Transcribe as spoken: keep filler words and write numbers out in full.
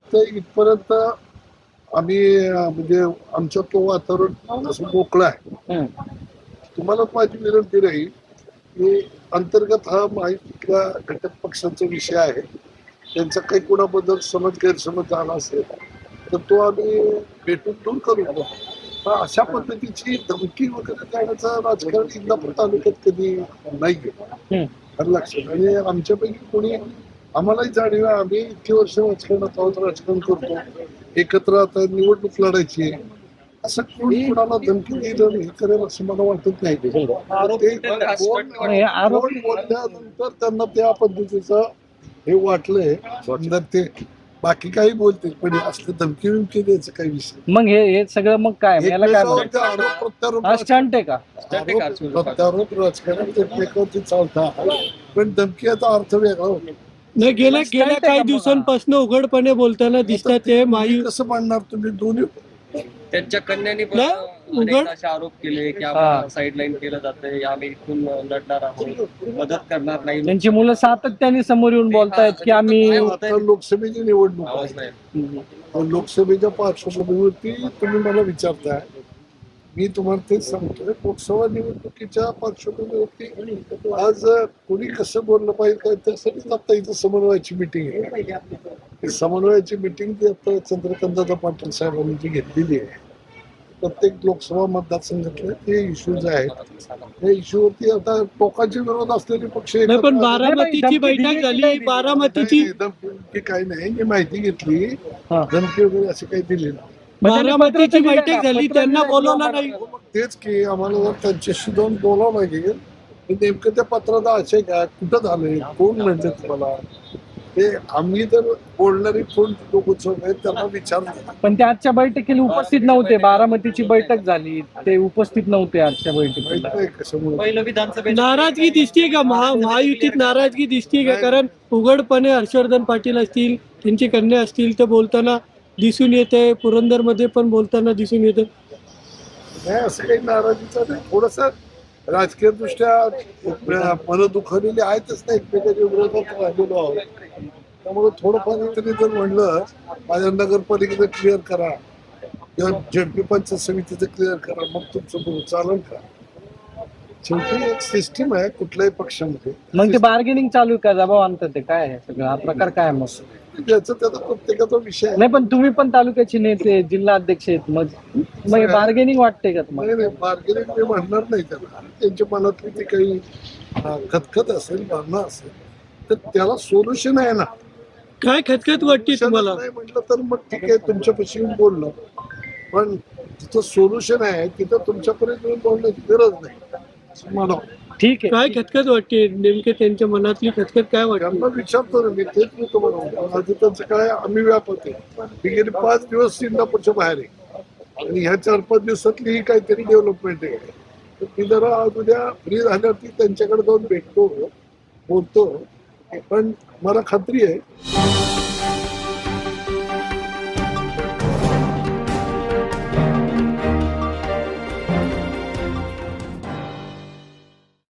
वाटतं इथपर्यंत आम्ही अं, म्हणजे आमचं तो वातावरण असं मोकळं आहे. हम्म. तुम्हाला माझी विनंती राहील की अंतर्गत हा माहितीतल्या घटक पक्षांचा विषय आहे. त्यांचा काही कोणाबद्दल समज गैरसमज झाला असेल तर तो आम्ही भेटून दूर करू. पण अशा पद्धतीची धमकी वगैरे देण्याचं राजकारण इंदापूर तालुक्यात कधी नाहीये. हम्म. आलं लक्षात. आणि आमच्यापैकी कोणी आम्हालाही जाणीव आहे, आम्ही इतकी वर्ष राजकारणात आहोत, राजकारण करतो, एकत्र आता निवडणूक लढायची आहे. असं कोणी कोणाला धमकी दिलं हे करेल असं मला वाटत नाही. ते कोण हे आरोप कोण बोलल्यानंतर त्यांना त्या पद्धतीचं हे वाटलंय जर ते बाकी काही बोलतील पण हे असलं धमकी विमकी द्यायचं काही विषय मग हे हे सगळं मग काय याला काय एकमेकावरती म्हणतात? आरोप प्रत्यारोप हा स्टंट आहे का? आरोप प्रत्यारोप राजकारण एकमेकावरती चालतात पण धमकीचा अर्थ वेगळा होतो. नाही गेल्या गेल्या काही दिवसांपासून उघडपणे बोलताना दिसतात ते तुम्ही माई कसं मांडणार तुम्ही दोन्ही त्यांच्या कन्यानी पण नाही, अनेक उघड- असे आरोप केले की हा. आम्हाला साईडलाईन केलं जातंय, आम्ही इथून लढणार आहोत, मदत करणार नाही. त्यांची मुलं सातत्याने समोर येऊन बोलतायत की आम्ही आता लोकसभेची निवडणूक आवाज आहे. नाही. तर लोकसभेच्या पार्श्वभूमीवरती तुम्ही मला विचारताय मी तुम्हाला तेच सांगतोय लोकसभा निवडणुकीच्या पार्श्वभूमीवरती आज कोणी कसं बोललं पाहिजे काय त्यासाठीच आता इथं समन्वयाची मिटिंग आहे. ही समन्वयाची मिटिंग ती आता चंद्रकांतदादा पाटील साहेबांनी जी घेतलेली आहे प्रत्येक लोकसभा मतदारसंघातले ते इश्यूज आहेत त्या इश्यूवरती आता टोकाचे विरोध असलेले पक्ष नाही पण एकत्र- बारामतीची धमकी बैठक दिली झाली नाही. बारामतीची नाही, धमकी काही नाही मी माहिती घेतली हा. धमकी वगैरे अशी काही दिली नाही. बारामतीची पत्र बैठक दिलं झाली का? त्यांना पत्र बोलवलं दिलं नाही. हो, मग तेच की आम्हाला जर त्यांच्याशी जाऊन बोलावं लागेल की नेमकं त्या पत्रात आशय काय कुठं झालंय कोण म्हणते तुम्हाला ते आम्ही जर बोलणारी कोण लोक आहेत त्यांना विचारलं. पण ते आजच्या बैठकीला उपस्थित नव्हते. बारामतीची बैठक झाली ते उपस्थित नव्हते आजच्या माहित बैठकीला. नाही कशामुळे पहिलं विधानसभेत नाराजगी दिसतीये का महा महायुतीत नाराजगी दिसतीये का? कारण उघडपणे हर्षवर्धन पाटील असतील त्यांची कन्या असतील तर बोलताना दिसून येते पुरंदरमध्ये पण बोलताना दिसून येते. नाही असं काही नाराजीचं नाही थोडस राजकीय दृष्ट्या मन दुखावलेली आहेतच नाही एकमेकाच्या विरोधात राहिलेलो आहोत त्यामुळे थोडंफार तरी जर म्हणलं माझ्या नगरपालिकेचं क्लिअर करा किंवा झेडपी पंचायत समितीचं क्लिअर करा मग तुमचं बरोबर चालेल का? शेवटी एक सिस्टीम आहे कुठल्याही पक्षामध्ये मग ते बार्गेनिंग चालू आहे का जबाब आणतात ते काय आहे सगळं हा प्रकार काय आहे मग? ज्याचा त्याचा प्रत्येकाचा विषय आहे. नाही पण तुम्ही पण तालुक्याचे नेते जिल्हा अध्यक्ष आहेत मग मग बार्गेनिंग वाटते का तुम्हाला? नाही नाही बार्गेनिंग मी म्हणणार नाही त्याला त्यांच्या मनातली ती काही अं, खतखत असेल भावना असेल तर त्याला सोल्युशन आहे ना. काय खतखत वाटते तुम्हाला? नाही म्हटलं तर मग ठीक आहे तुमच्यापाशी येऊन बोलणं पण जिथं सोल्युशन आहे तिथं तुमच्यापर्यंत येऊन बोलण्याची गरज नाही असं मला वाटतं. ठीक आहे. काय खतखत वाटते नेमके त्यांच्या मनातली खतखत काय वाटते? त्यांना विचारतो ना मी तेच मी तुम्हाला आधी त्यांचं काय आम्ही व्यापत आहे मी गेले पाच दिवस इंदापूरच्या बाहेर आहे आणि ह्या चार पाच दिवसातली ही काहीतरी डेव्हलपमेंट आहे तर मी जरा आज उद्या फ्री झाल्यावरती त्यांच्याकडे जाऊन भेटतो बोलतो पण मला खात्री आहे